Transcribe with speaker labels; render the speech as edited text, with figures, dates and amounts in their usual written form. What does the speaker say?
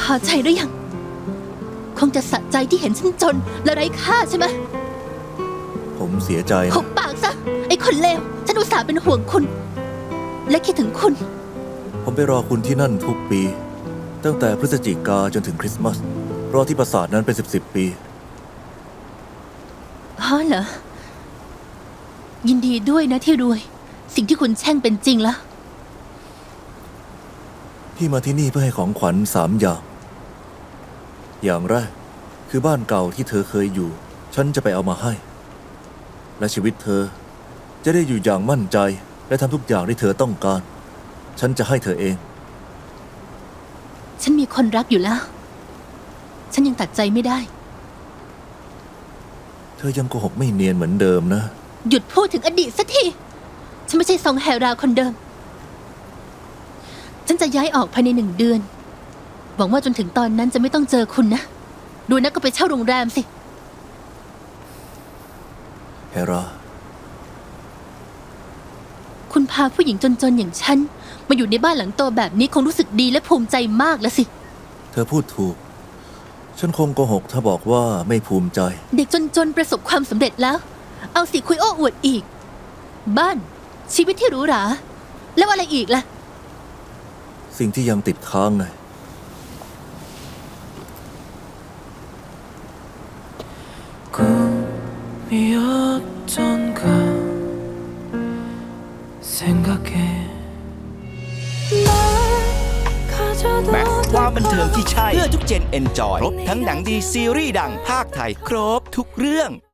Speaker 1: อใจหรือยังคงจะสะใจที่เห็นฉันจนและไร้ค่าใช่ไหม
Speaker 2: ผมเสียใจนะ
Speaker 1: หุบปากซะไอ้คนเลวฉันอุตส่าห์เป็นห่วงคุณและคิดถึงคุณ
Speaker 2: ผมไปรอคุณที่นั่นทุกปี ตั้งแต่พฤศจิกาจนถึงคริสต์มาสรอที่ปราสาทนั้นเป็น10 ปี
Speaker 1: อ๋อเหรอยินดีด้วยนะที่รวยสิ่งที่คุณแช่งเป็นจริงแล้ว
Speaker 2: พี่มาที่นี่เพื่อให้ของขวัญ3 อย่างอย่างแรกคือบ้านเก่าที่เธอเคยอยู่ฉันจะไปเอามาให้ และชีวิตเธอจะได้อยู่อย่างมั่นใจและทำทุกอย่างที่เธอต้องการฉันจะให้เธอเอง
Speaker 1: ฉันมีคนรักอยู่แล้วฉันยังตัดใจไม่ได้
Speaker 2: เธอยังโกหกไม่เนียนเหมือนเดิมนะ
Speaker 1: หยุดพูดถึงอดีตสักทีฉันไม่ใช่ซองแฮราคนเดิมฉันจะย้ายออกภายใน1 เดือนหวังว่าจนถึงตอนนั้นจะไม่ต้องเจอคุณนะดูนะก็ไปเช่าโรงแรมสิ
Speaker 2: เฮรา
Speaker 1: คุณพาผู้หญิงจนๆอย่างฉันมาอยู่ในบ้านหลังโตแบบนี้คงรู้สึกดีและภูมิใจมากแล้วสิ
Speaker 2: เธอพูดถูกฉันคงโกหกถ้าบอกว่าไม่ภูมิใจ
Speaker 1: เด็กจนๆประสบความสำเร็จแล้วเอาสิคุยโอ้อวดอีกบ้านชีวิตที่หรูหราแล้วอะไรอีกล่ะ
Speaker 2: สิ่งที่ยังติดค้างไง
Speaker 3: 꿈이었던가 생각해
Speaker 4: แม็กซ์ความบันเทิงที่ใช่เพื่อทุกเจนเอนจอยครบทั้งหนังดีซีรีส์ดังภาคไทยครบทุกเรื่อง